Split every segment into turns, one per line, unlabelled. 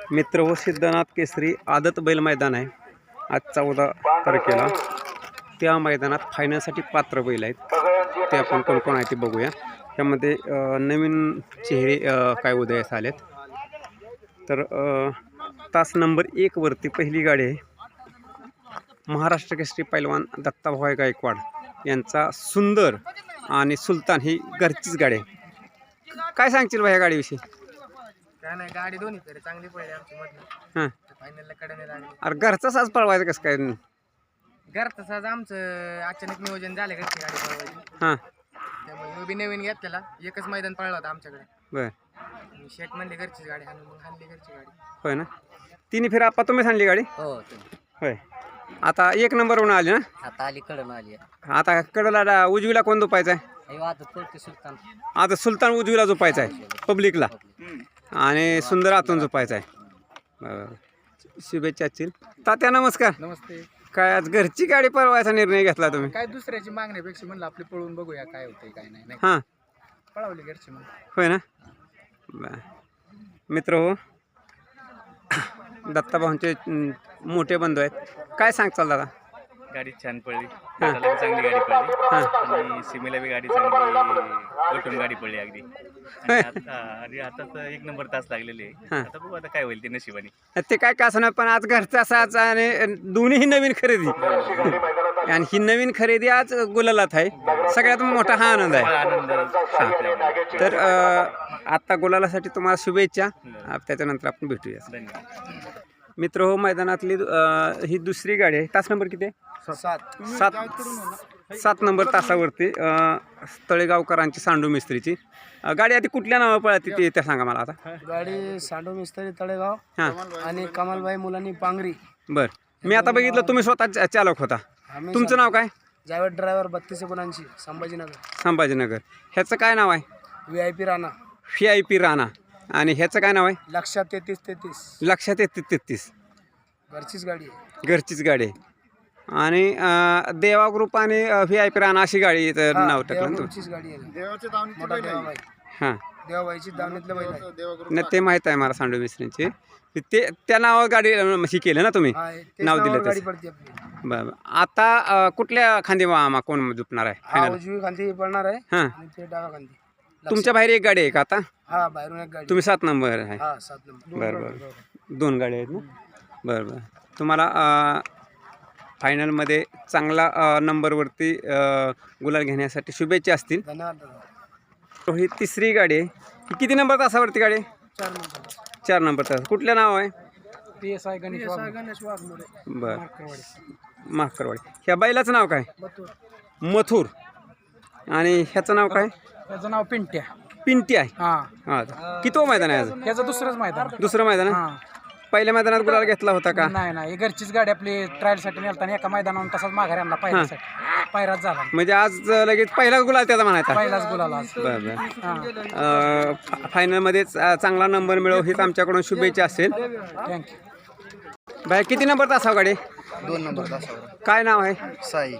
मित्र व सिद्धनाथ केसरी आदत बैल मैदान आहे आज 14 तारखेला। त्या मैदानात फायनलसाठी पात्र बैल आहेत, ते आपण कोण कोण आहे ते बघूया। त्यामध्ये नवीन चेहरे काय उदयास आलेत। तर तास नंबर 1 वरती पहिली गाडी आहे महाराष्ट्र केसरी पैलवान दत्ताभाऊ गायकवाड यांचा सुंदर आणि सुलतान ही घरचीच गाडी आहे। काय सांगशील भाई या गाडीविषयी?
काय नाही, गाडी दोन्ही तरी चांगली पडली आमची मधनं।
हां,
फायनलला कडे लागली।
अरे घरचा साज पळवायचं कसं काय?
घरचं सहज आमचं अचानक नियोजन झालं घरची गाडी पळवायची,
हां,
त्यामुळे मी बी नवीन घेतलेला एकच मैदान पळला होता आमच्याकडे।
बर,
शेट म्हणले घरचीच गाडी हाणून, मग हाणली घरची गाडी।
होय ना। तिन्ही फेर आपा तुम्ही सांगली गाडी?
हो,
होय। आता 1 नंबरवरून आली ना?
आता आली कडन आली।
आता कडला उजवीला कोण झोपायचा आहे?
सुलतान
आता सुलतान उजवीला झोपायचा आहे पब्लिकला, आणि सुंदर आतून झोपायचा आहे। शुभेच्छा असतील तात्या, नमस्कार।
नमस्ते।
काय आज घरची गाडी पळवायचा निर्णय घेतला तुम्ही?
काय दुसऱ्याची मागण्यापेक्षा म्हणलं आपली पळवून बघूया काय होतंय काय नाही।
हां,
पळवली घरची मग।
होय ना। मित्र हो, दत्ताभाऊंचे मोठे बंधू आहेत, काय सांगचाल दादा?
गाडी छान पडली, दादाला बी चांगली गाडी पडली आणि सीमेला बी गाडी चांगली गटून गाडी पडली अगदी। आणि आता तर 1 नंबर तास लागलेले आहे। आता बघू आता काय होईल ते नशिबाने।
ते काय असं नाही, पण आज घरचा साज आणि दोन्ही नवीन खरेदी, आणि ही नवीन खरेदी आज गुलालात आहे, सगळ्यात मोठा हा आनंद आहे।
आनंद।
तर आता गुलालासाठी तुम्हाला शुभेच्छा, त्याच्यानंतर आपण भेटूया।
धन्यवाद
मित्र हो, मैदानातली ही दुसरी गाडी आहे। तास नंबर किती आहे? 7 नंबर तासावरती तळेगावकरांची सांडू मिस्त्रीची गाडी आधी कुठल्या नावा पळती ते त्या सांगा मला आता।
गाडी सांडू मिस्त्री तळेगाव
हां,
आणि कमालबाई मुलांनी पांगरी।
बर, मी आता बघितलं तुम्ही स्वतः चालक होता, तुमचं नाव काय?
जावेद ड्रायव्हर 32 संभाजीनगर।
संभाजीनगर। ह्याचं काय नाव आहे?
VIP राणा।
VIP राणा। आणि ह्याचं काय नाव आहे?
लक्षात 33.
लक्षात 33.
घरचीच गाडी आहे।
घरचीच गाडी आहे। आणि देवा ग्रुप आणि VIP राणा अशी गाडी नाव टाकलं ना?
गाडी आहे, देवाची दावणीतली।
हां,
देवाबाईची दावणीतलं बैल आहे।
नाही ते माहीत आहे मला, सांडू मिस्त्रींची ते त्या नावावर गाडी ही केलं ना तुम्ही, नाव दिलं
गाडी
तसं?
पडते आपली।
बरं, आता कुठल्या खांदी कोण झुपणार आहे फायनल?
उजवी खांदी पडणार आहे
हां,
आणि ते डावा खांदी।
तुमच्या बाहेर एक गाडी आहे का आता?
हा, बाहेरून एक गाडी।
तुम्ही 7 नंबर आहे?
हा, 7 नंबर।
बरं बरं, 2 गाड्या आहेत ना? बरं बरं, तुम्हाला फायनलमध्ये चांगला नंबरवरती गुलाल घेण्यासाठी शुभेच्छा असतील।
धन्यवाद।
तो ही तिसरी गाडी आहे, ही किती नंबर तासावरती गाडी आहे?
4 नंबर।
4 नंबर तास। कुठलं नाव आहे?
PSI गणेश वाघमोडे।
बरं, माकरवाडी। ह्या बैलाचं नाव काय? मथुर। आणि ह्याचं नाव काय?
त्याचं नाव पिंट्या।
पिंटी आहे।
हा,
हां, किती मैदान आहे आज?
त्याचं दुसरंच मैदान।
दुसरं मैदान आहे? पहिल्या मैदानात गुलाल घेतला होता का?
नाही, घरचीच गाडी आपली ट्रायलसाठी नेलताना एका मैदानावर तसाच माघारी आणला पायऱ्यासाठी। पायराच झाला
म्हणजे आज लगेच पहिलाच गुलाल त्याचा म्हणायचा?
पहिलाच गुलाल।
बरं बरं, फायनलमध्ये चांगला नंबर मिळव हीच आमच्याकडून शुभेच्छा असेल।
थँक्यू।
बाय, किती नंबर तासावर गाडी?
2 नंबर तासावर।
काय नाव आहे?
साई।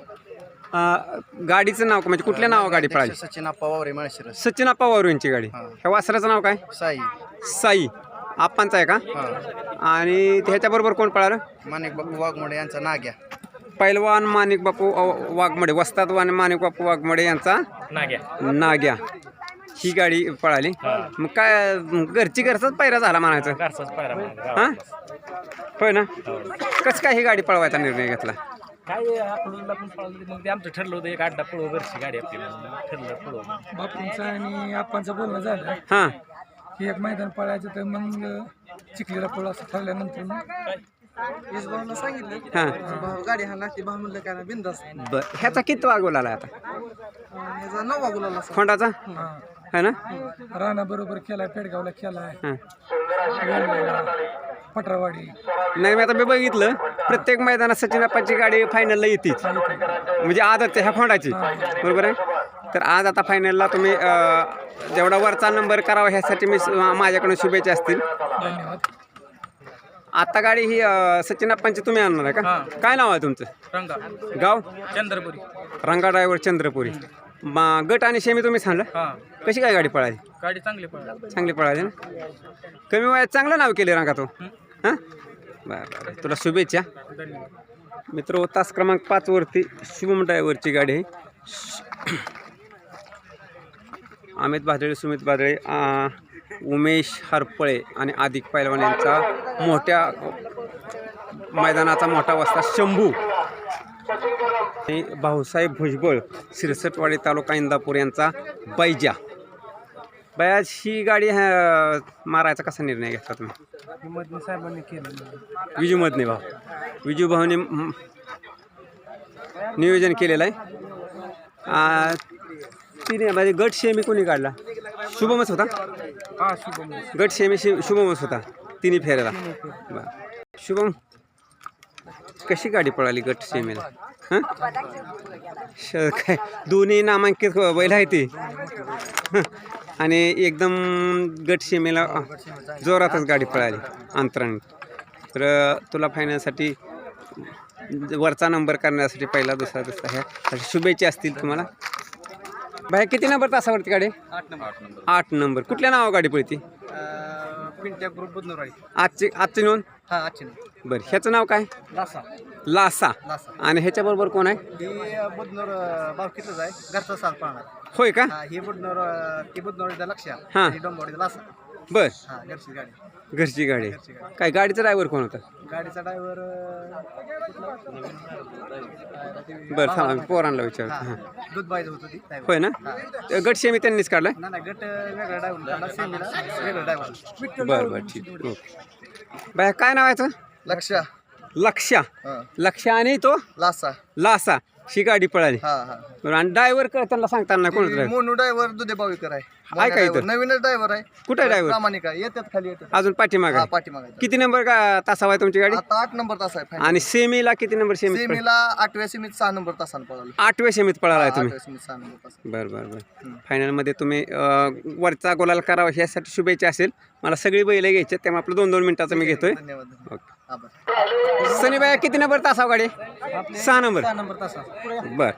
गाडीचं नाव म्हणजे कुठल्या नावावर गाडी पळाली?
सचिन आप्पा वावरे माळशिरस।
सचिन आप्पा वारूंची गाडी। ह्या वासराचं नाव काय?
साई।
साई आप्पांचा आहे का? आणि ह्याच्याबरोबर कोण पळालं?
माणिक बापू वाघमोडे यांचा नाग्या।
पैलवान माणिक बापू वाघमोडे, वस्ताद माणिक बापू वाघमोडे यांचा नाग्या ही गाडी पळाली। मग काय घरचाच पायरा झाला म्हणायचं? हां, होय ना। कसं काय ही गाडी पळवायचा निर्णय घेतला?
काय आपल्याला पण पळवलं, मग ते आमचं ठरलं होतं एक अड्डा पळव घरची गाडी आपली, ठरलं पळव।
बापूंचं आणि आप्पांचं बोलणं झालं,
हां,
की एक मैदान पळायचं, तर मग चिखलीला पळू असं ठरल्यानंतर भाऊला सांगितलं,
हां,
गाडी हा लागते। भाऊ म्हणलं काय बिंदास।
बरं, ह्याचा किती वागवला आता?
ह्याचा 9वा गुलाल असा।
खोंडाचा है ना?
राणा बरोबर केलाय, पेडगावला केलाय,
हां,
पटरावाडी।
नाही, मी आता मी बघितलं प्रत्येक मैदानात सचिन आप्पांची गाडी फायनलला येतेच, म्हणजे आदत ह्या खोंडाची, बरोबर आहे? तर आज आता फायनलला तुम्ही जेवढा वरचा नंबर करावा ह्यासाठी मी माझ्याकडून शुभेच्छा असतील।
धन्यवाद।
आता गाडी ही सचिन आप्पांची तुम्ही आणणार आहे का? काय नाव आहे तुमचं?
रंगा,
गाव?
चंद्रपुरी।
रंगा ड्रायव्हर चंद्रपुरी। गट आणि शेमी तुम्ही सांगलं, कशी काय गाडी पळाली?
गाडी चांगली पळाली।
चांगली पळाली ना? कमी वयात चांगलं नाव केले रंगा तो। हां बरं बरं, तुला शुभेच्छा. मित्र तास क्रमांक 5 वरती शुभम ड्रायव्हरची गाडी आहे. अमित भादळे, सुमित भादळे, उमेश हरपळे आणि आदिक पैलवान यांचा मोठ्या मैदानाचा मोठा वस्ता शंभू आणि भाऊसाहेब भुजबळ शिरसटवाडी तालुका इंदापूर यांचा बैजा. बयाज ही गाडी मारायचा कसा निर्णय घेतला तुम्ही?
मधने साहेबांनी केलं.
विजू मधने भाऊ, विजू भाऊने नियोजन केलेलं आहे. तिने म्हणजे गट शेमी कोणी काढला? शुभमच होता.
हा शुभम.
गट शेमी शुभमच होता तिन्ही फेऱ्याला. बरं शुभम, कशी गाडी पळाली गट सेमीला? हां काय दोन्ही नामांकित बैल आहे ती आणि एकदम गट सीमेला जोरातच गाडी पळाली अंतराने. तर तुला फायनलसाठी वरचा नंबर करण्यासाठी पहिला दुसरा ह्या शुभेच्छा असतील तुम्हाला. बाहेर किती नंबर तासावरती गाडी? 8 नंबर. कुठल्या नावा गाडी पळती?
पिंट्या ग्रुप बुधनोराळी.
आजची नोंद?
हा आजची.
बरं ह्याचं नाव काय?
लासा.
लासा. आणि ह्याच्याबरोबर कोण आहे?
ही बुधनोर बावकीतच आहे, घरचा साथ पाहणार.
होय का?
ही बुधनोर, ती बुधनोरीचा लक्ष
हां.
आणि डोंबवडीचा लासा.
बर
हा घरची गाडी.
घरची गाडी. काय गाडीचा ड्रायव्हर कोण होता?
गाडीचा ड्रायव्हर
बरं थांबा पोरांना विचारतो. हां
दूध बायचं होतं ती.
होय ना? गट सेमी त्यांनीच काढलाय?
नाही गट वेगळा ड्रायव्हर, सेमीला वेगळा ड्रायव्हर.
बरं बरं ठीक. ओके बाय काय नाव आहे?
लक्ष.
लक्ष्या. लक्ष्या आणि तो
लासा.
लासा ही गाडी पळाली.
हा हा.
बरं आणि ड्रायव्हर त्यांना सांगताना कोण ड्रायव्हर?
मोनू ड्रायव्हर दुधे बावीकर आहे.
आहे का इथं?
नवीनच ड्रायव्हर आहे.
कुठे ड्रायव्हर?
प्रामाणिक आहे. येतात खाली येतात.
अजून पाठीमाग
हा
आहे.
पाठीमागे.
किती नंबर का तासावा आहे तुमची गाडी?
आता 8 नंबर तास आहे.
आणि सेमीला किती नंबर सेमी?
सेमीला 8व्या सेमीत 6 नंबर तासाला पळालो.
8व्या सेमीत पळाला आहे तुम्ही?
8व्या सेमीत 6 नंबर तास.
बरं बरं बरं. फायनलमध्ये तुम्ही वरचा गोलाल करावा ह्यासाठी शुभेच्छा असेल. मला सगळी बैल घ्यायची त्यामुळे आपलं 2-2 मिनिटाचं मी घेतोय.
धन्यवाद.
ओके.
आभार.
सनीबाई किती नंबर तासाव गाडी? 6 नंबर.
6 नंबर तास.
बर.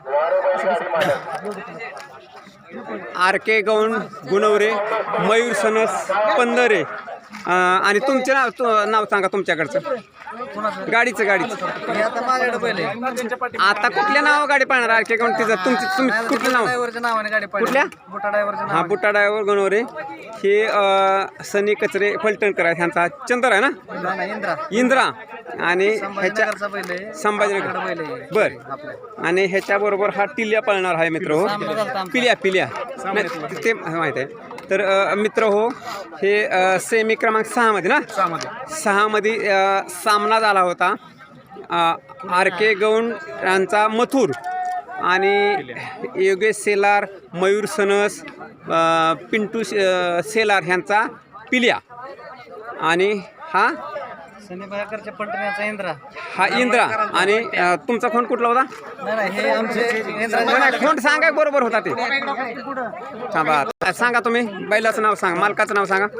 RK गौण गुणवरे, मयूर सनस पंधरे आणि तुमचे नाव सांगा तुमच्याकडचं गाडीचं.
हे आता माझ्याकडे पहिले.
आता कुठल्या नाव गाडी पाहणार? RK गौण तिचं तुम्ही कुठलं नाव?
ड्रायव्हरच्या नावाने गाडी पळली.
कुठल्या?
बुटा ड्रायव्हरच्या
हा बुट्टा ड्रायव्हर गुणवरे. हे सनी कचरे फलटणकर आहे. ह्यांचा चंद्र आहे ना?
नावाने. इंद्रा.
इंद्रा. आणि ह्याच्या
संभाजीनगरचा पहिले.
संभाजीनगर.
पहिले.
बर. आणि ह्याच्याबरोबर हा टिल्या पळणार आहे मित्र हो. पिल्या नाही ते माहीत आहे. तर मित्र हो हे सेमी क्रमांक 6 मध्ये ना? 6 मध्ये सामना झाला होता. RK गौण यांचा मथुर आणि योगेश सेलार, मयूर सनस, पिंटू सेलार ह्यांचा पिल्या आणि हा
सनीबाईकरच्या पलटण्याचा इंद्रा.
हा इंद्रा. आणि तुमचा फोन कुठला होता?
नाही हे आमचे
फोन सांगा बरोबर होता ते. थांबा सांगा तुम्ही बैलाचं नाव सांगा, मालकाचं नाव सांगा.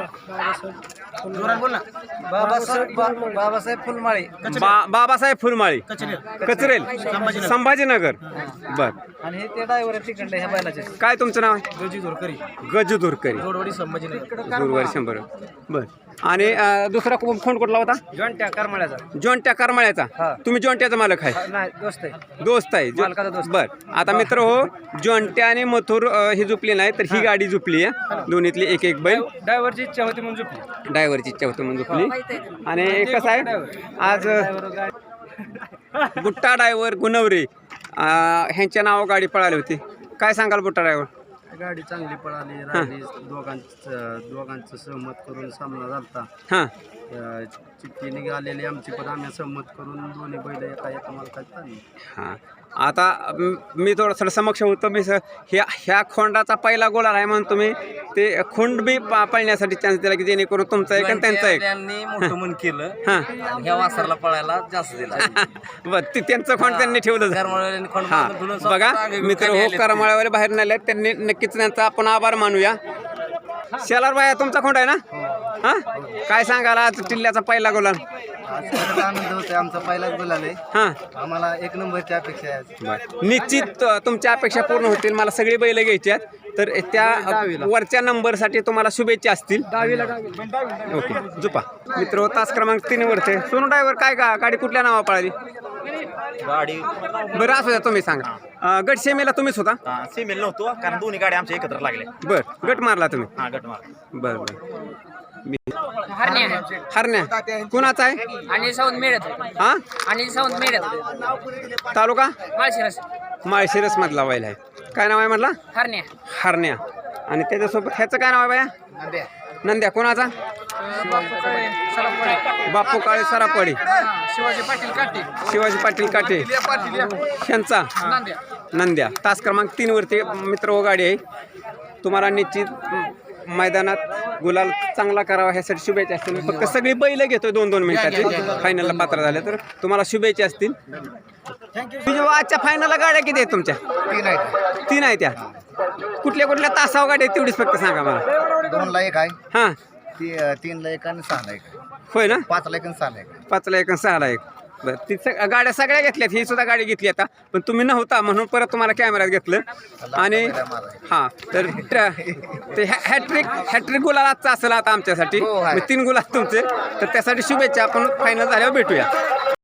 बाबासाहेब फुलमाळी.
बाबासाहेब फुलमाळी कचरेल संभाजीनगर. बर.
आणि हे ते ड्रायव्हर तिकडले ह्या बैलाचे.
काय तुमचं नाव आहे?
गजी धोरकरी.
गजू धुरकरी.
जोडवडी संभाजीनगर.
गुरुवारी 100. बर. आणि दुसरा फोन कुठला होता?
जॉन्ट्या करमाळ्याचा.
जॉन्ट्या करमाळ्याचा. तुम्ही जॉन्ट्याचा मालक आहे?
नाही दोस्त आहे.
दोस्त आहे.
मालकाचा दोस्त.
बर. आता मित्र हो जॉन्ट्या आणि मथुर ही झुपली नाही तर ही गाडी झुपली आहे. दोन्हीतली एक एक बैल.
ड्रायव्हरची इच्छा होती म्हणून झोपली.
ड्रायव्हरची इच्छा होती म्हणून झुपली. आणि कसं आहे आज बुट्टा ड्रायव्हर गुणवरे ह्यांच्या नाव गाडी पळाली होती. काय सांगाल बुट्टा ड्रायव्हर?
गाडी चांगली पळाली. राहिली दोघांचं सहमत करून सामना झालता.
हां
चिठ्ठी निघालेली आमची पण आम्ही सहमत करून दोन्ही बैल एका मालकात आणली.
हां. आता मी थोडंसं समक्ष होतो. मी ह्या खोंडाचा पहिला गोल आहे म्हणून तुम्ही ते खोंड बी पळण्यासाठी चान्स दिला की जेणेकरून तुमचा एक आणि त्यांचा एक.
त्यांनी मोठं मन केलं.
हां
ह्या वासराला पळायला जास्त दिला.
बरं ते त्यांचं खोंड त्यांनी ठेवलं. हां बघा मित्र हो करमाळ्यावर बाहेर नाही त्यांनी नक्कीच त्यांचा आपण आभार मानूया. शेलार बाया तुमचा खोंड आहे ना? हां काय सांगाल आज टिल्ल्याचा पहिला गुलाल?
आज खरंच आनंद होतोय. आमचा पहिलाच गुलाल आहे.
हां
आम्हाला एक नंबरची अपेक्षा आहे आज.
निश्चित तुमच्या अपेक्षा पूर्ण होतील. मला सगळी बैल घ्यायची आहेत तर त्या वरच्या नंबरसाठी तुम्हाला शुभेच्छा असतील. ओके जुपा मित्र तास क्रमांक 3 वरते. सोनू ड्रायव्हर काय का गाडी कुठल्या नावा पळाली?
गाडी
बरं असू द्या तुम्ही सांगा. गट सेमीला तुम्हीच होता?
सेमील नव्हतो कारण दोन्ही गाड्या आमच्या एकत्र लागल्या.
बरं गट मारला तुम्ही?
हा गट मार.
बरं बरं मी
हरण्या
हरण्या कुणाचा आहे?
आणि साऊंड मिळत
हा
आणि साऊंड मिळत
तालुका
माळशिरस
माळशिरस मधला बैल आहे. काय नाव आहे म्हटला?
हरण्या
हरण्या. आणि त्याच्यासोबत ह्याचं काय नाव आहे बाया? नंद्या कोणाचा? बापू काळे सरापडी.
शिवाजी पाटील काटे
शिवाजी पाटील काटे ह्यांचा नंद्या. तास क्रमांक 3 वरती मित्र व गाडी आहे. तुम्हाला निश्चित मैदानात गुलाल चांगला करावा ह्यासाठी शुभेच्छा असतील. फक्त सगळी बैल घेतोय 2-2 मिनिटाची फायनलला पात्र झाले तर तुम्हाला शुभेच्छा असतील. आजच्या फायनलला गाड्या किती आहेत तुमच्या? 3 आहेत. त्या कुठल्या कुठल्या तासावर गाड्या आहेत तेवढीच फक्त सांगा मला.
2ला 1 आहे,
हां
3ला 1 आणि 6ला 1 आहे.
होय ना?
5ला 1 आणि 6ला 1 आहे.
5ला 1 आणि 6ला 1. बरं ती गाड्या सगळ्या घेतल्यात. ही सुद्धा गाडी घेतली आता पण तुम्ही नव्हता म्हणून परत तुम्हाला कॅमेऱ्यात घेतलं. आणि हां तर ते हॅट्रिक गुलाल आजचा असेल आता आमच्यासाठी. 3 गुलाल तुमचे तर त्यासाठी शुभेच्छा. आपण फायनल झाल्यावर भेटूया.